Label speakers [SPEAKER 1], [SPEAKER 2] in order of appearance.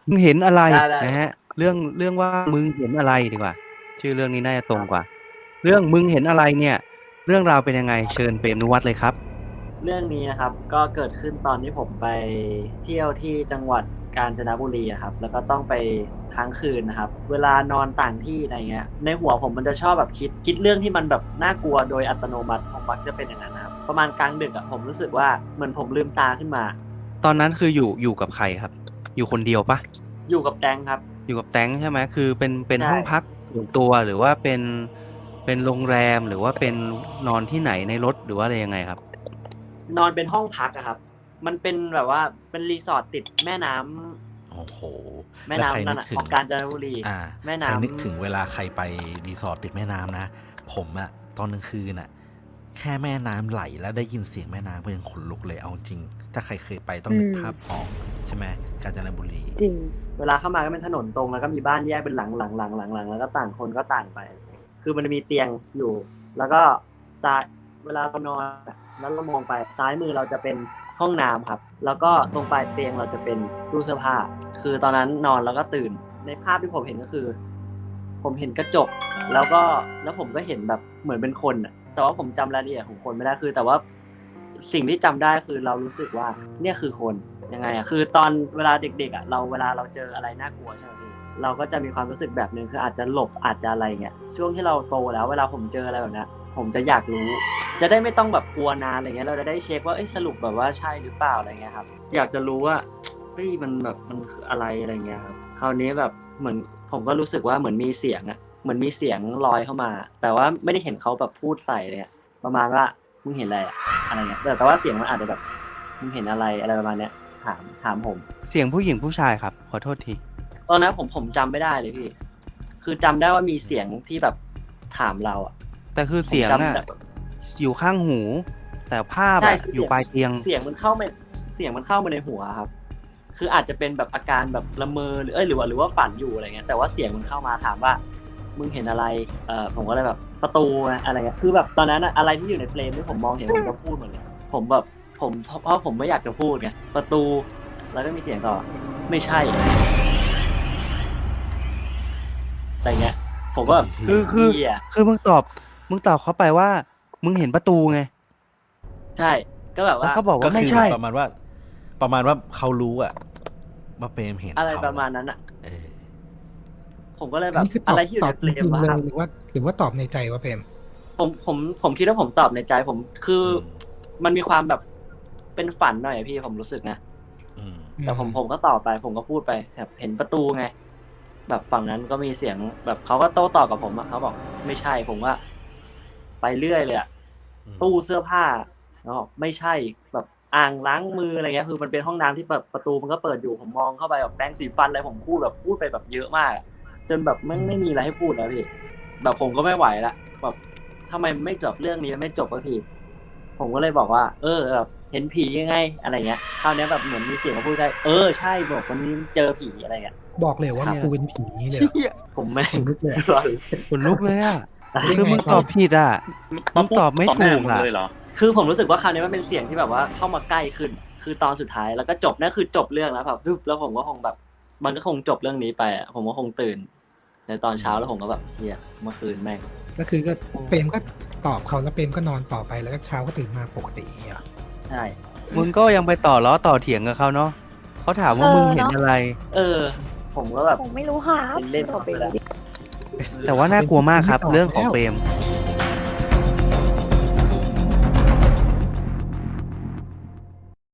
[SPEAKER 1] มึงเห็นอะไร
[SPEAKER 2] ได้ได้
[SPEAKER 1] นะฮะเรื่องว่ามึงเห็นอะไรดีกว่าชื่อเรื่องนี้น่าจะตรงกว่าเรื่องมึงเห็นอะไรเนี่ยเรื่องราวเป็นยังไงเชิญเปรมนุวัฒน์เลยครับ
[SPEAKER 2] เรื่องนี้นะครับก็เกิดขึ้นตอนที่ผมไปเที่ยวที่จังหวัดกาญจนบุรีอะครับแล้วก็ต้องไปค้างคืนนะครับเวลานอนต่างที่อะไรเงี้ยในหัวผมมันจะชอบแบบคิดเรื่องที่มันแบบน่ากลัวโดยอัตโนมัติผมมักจะเป็นอย่างนั้นนะครับประมาณกลางดึกอะผมรู้สึกว่าเหมือนผมลืมตาขึ้นมา
[SPEAKER 1] ตอนนั้นคืออยู่กับใครครับอยู่คนเดียวปะ
[SPEAKER 2] อยู่กับแตงครับ
[SPEAKER 1] อยู่กับแตงใช่ไหมคือเป็น
[SPEAKER 2] ใช่
[SPEAKER 1] ห้องพักส่วนตัวหรือว่าเป็นโรงแรมหรือว่าเป็นนอนที่ไหนในรถหรือว่าอะไรยังไงครับ
[SPEAKER 2] นอนเป็นห้องพักอะครับมันเป็นแบบว่าเป็นรีสอร์ทติดแม่น้ำ
[SPEAKER 3] โอ้โห
[SPEAKER 2] แม่
[SPEAKER 3] แล้วใคร
[SPEAKER 2] น้ำนั่นอะ
[SPEAKER 3] นึกถึง
[SPEAKER 2] ของกาญจนบุรี
[SPEAKER 3] อ่า
[SPEAKER 2] แม่
[SPEAKER 3] ใคร
[SPEAKER 2] น้ำ
[SPEAKER 3] นึกถึงเวลาใครไปรีสอร์ทติดแม่น้ำนะผมอะตอนกลางคืนอะแค่แม่น้ำไหลแล้วได้ยินเสียงแม่น้ำก็ยังขนลุกเลยเอาจริงถ้าใครเคยไปต้องนึกภาพออกใช่ไหมกาญจนบุรี
[SPEAKER 4] จริง
[SPEAKER 2] เวลาเข้ามาก็เป็นถนนตรงแล้วก็มีบ้านแยกเป็นหลังแล้วก็ต่างคนก็ต่างไปคือมันจะมีเตียงอยู่ แล้วก็ซ้ายเวลาเรานอนแล้วเรามองไปซ้ายมือเราจะเป็นห้องน้ำครับแล้วก็ตรงปลายเตียงเราจะเป็นตู้เสื้อผ้าคือตอนนั้นนอนแล้วก็ตื่นในภาพที่ผมเห็นก็คือผมเห็นกระจกแล้วผมก็เห็นแบบเหมือนเป็นคนอะแต่ว่าผมจำรายละเอียดของคนไม่ได้คือแต่ว่าสิ่งที่จำได้คือเรารู้สึกว่าเนี่ยคือคนยังไงอะคือตอนเวลาเด็กๆอะเวลาเราเจออะไรน่ากลัวใช่ไหมพี่เราก็จะมีความรู้สึกแบบนึงคืออาจจะหลบอาจจะอะไรเงี้ยช่วงที่เราโตแล้วเวลาผมเจออะไรแบบนี้ผมจะอยากรู้จะได้ไม่ต้องแบบกลัวนานอะไรเงี้ยเราจะได้เช็คว่าสรุปแบบว่าใช่หรือเปล่าอะไรเงี้ยครับอยากจะรู้ว่าเฮ้ยมันแบบมันคืออะไรอะไรเงี้ยครับคราวนี้แบบเหมือนผมก็รู้สึกว่าเหมือนมีเสียงอะเหมือนมีเสียงลอยเข้ามาแต่ว่าไม่ได้เห็นเขาแบบพูดใส่เลยประมาณว่ามึงเห็นอะไรอะไรเงี้ยแต่ว่าเสียงมันอาจจะแบบมึงเห็นอะไรประมาณเนี้ยถามผม
[SPEAKER 1] เสียงผู้หญิงผู้ชายครับขอโทษที
[SPEAKER 2] ตอนนั้นผมจำไม่ได้เลยพี่คือจำได้ว่ามีเสียงที่แบบถามเราอ่ะ
[SPEAKER 1] แต่คือ
[SPEAKER 2] ผม
[SPEAKER 1] เสียง
[SPEAKER 2] จำ
[SPEAKER 1] อ่ะ
[SPEAKER 2] ได้
[SPEAKER 1] อยู่ข้างหูแต่ภาพ
[SPEAKER 2] ใช่
[SPEAKER 1] อ่ะอยู่
[SPEAKER 2] คือ
[SPEAKER 1] ปลายเตียง
[SPEAKER 2] เสียงมันเข้ามาในหัวครับคืออาจจะเป็นแบบอาการแบบละเมอหรือว่าฝันอยู่อะไรเงี้ยแต่ว่าเสียงมันเข้ามาถามว่ามึงเห็นอะไรผมก็เลยแบบประตูอะไรเงี้ยคือแบบตอนนั้นอะไรที่อยู่ในเฟรมที่ผมมองเห็นผมก็พูดหมดเลยผมแบบผมเพราะผมไม่อยากจะพูดไงประตูแล้วก็มีเสียงต่อไม่ใช่อะไรเงี้ยผมก็แบบ
[SPEAKER 1] คือ
[SPEAKER 2] เหี้ย
[SPEAKER 1] คือมึงตอบเขาไปว่ามึงเห็นประตูไง
[SPEAKER 2] ใช่ก็แบบ
[SPEAKER 1] แล้ว
[SPEAKER 2] ว่า
[SPEAKER 1] เขาบอก
[SPEAKER 3] ก็
[SPEAKER 1] ว่าไม่
[SPEAKER 3] คือ
[SPEAKER 1] ใช่
[SPEAKER 3] ประมาณว่าเขารู้อะว่าเปรมเห็น
[SPEAKER 2] อะไร
[SPEAKER 3] เขา
[SPEAKER 2] ประมาณนั้นอ่ะ
[SPEAKER 3] เออ
[SPEAKER 2] ผมก็เลย
[SPEAKER 4] อั
[SPEAKER 2] แบบ
[SPEAKER 4] นนี้คือตอบ
[SPEAKER 2] อะไรที่อยู่
[SPEAKER 4] ตอบจ
[SPEAKER 2] ในเฟรม
[SPEAKER 4] ริงๆเลย
[SPEAKER 2] วะครับ
[SPEAKER 4] หรือว่าตอบในใจว่าเพม
[SPEAKER 2] ผมคิดว่าผมตอบในใจผมคือมันมีความแบบเป็นฝันหน่อยอะพี่ผมรู้สึกนะ
[SPEAKER 3] อืม
[SPEAKER 2] แต่ผมก็ตอบไปผมก็พูดไปแบบเห็นประตูไงแบบฝั่งนั้นก็มีเสียงแบบเขาก็โต้ตอบกับผมอะเขาบอกไม่ใช่ผมว่าไปเรื่อยเลยอะตู้เสื้อผ้าแล้วบอกไม่ใช่แบบอ่างล้างมืออะไรเงี้ยคือมันเป็นห้องน้ำที่แบบประตูมันก็เปิดอยู่ผมมองเข้าไปแบบแปรงสีฟันอะไรผมพูดไปแบบเยอะมากอะจนแบบไม่มีอะไรให้พูดแล้วพี่แบบผมก็ไม่ไหวละแบบทำไมไม่จบเรื่องนี้ไม่จบสักทีผมก็เลยบอกว่าแบบเห็นผียังไงอะไรเงี้ยคราวนี้แบบเหมือนมีเสียงมาพูดได้ใช่บอกวันนี้เจอผีอะไรเงี้ย
[SPEAKER 4] บอกเลยว่ากูเป็นผีนี่เลยเหรอ
[SPEAKER 1] เหี้ย
[SPEAKER 2] ผมไม่
[SPEAKER 4] ขนลุกเลยอะ
[SPEAKER 1] ขนลุกเลยอ่ะ
[SPEAKER 4] ได้
[SPEAKER 1] คือ
[SPEAKER 4] ไง
[SPEAKER 1] มึงตอบผิดอ่ะมึงตอบไม่ถูกอ่ะ
[SPEAKER 5] เลยเหรอ
[SPEAKER 2] คือผมรู้สึกว่าคราวนี้มันเป็นเสียงที่แบบว่าเข้ามาใกล้ขึ้นคือตอนสุดท้ายแล้วก็จบนั่นคือจบเรื่องแล้วแบบปึ๊บแล้วผมก็คงแบบมันก็คงจบเรื่องนี้ไปอ่ะผมก็คงตื่นในตอนเช้าแล้วผมก็แบบเฮียเมื่อคืนแม่ง
[SPEAKER 4] ก็คือก็เปรมก็ตอบเขาแล้วเปรมก็นอนต่อไปแล้วก็เช้าก็ตื่นมาปกติอย่างเงี้ยเหรอ
[SPEAKER 2] ใช่
[SPEAKER 1] มึงก็ยังไปต่อล้อต่อเถียงกับเขาเนาะเขาถามว่ามึงเห็นอะไร
[SPEAKER 2] ผมก็แบบ
[SPEAKER 6] ผมไม่รู้ครับ
[SPEAKER 2] เล่นๆ
[SPEAKER 6] ต่อไป
[SPEAKER 2] ซะแล้ว
[SPEAKER 1] แต่ว่าน่ากลัวมากครับเรื่องของเปรม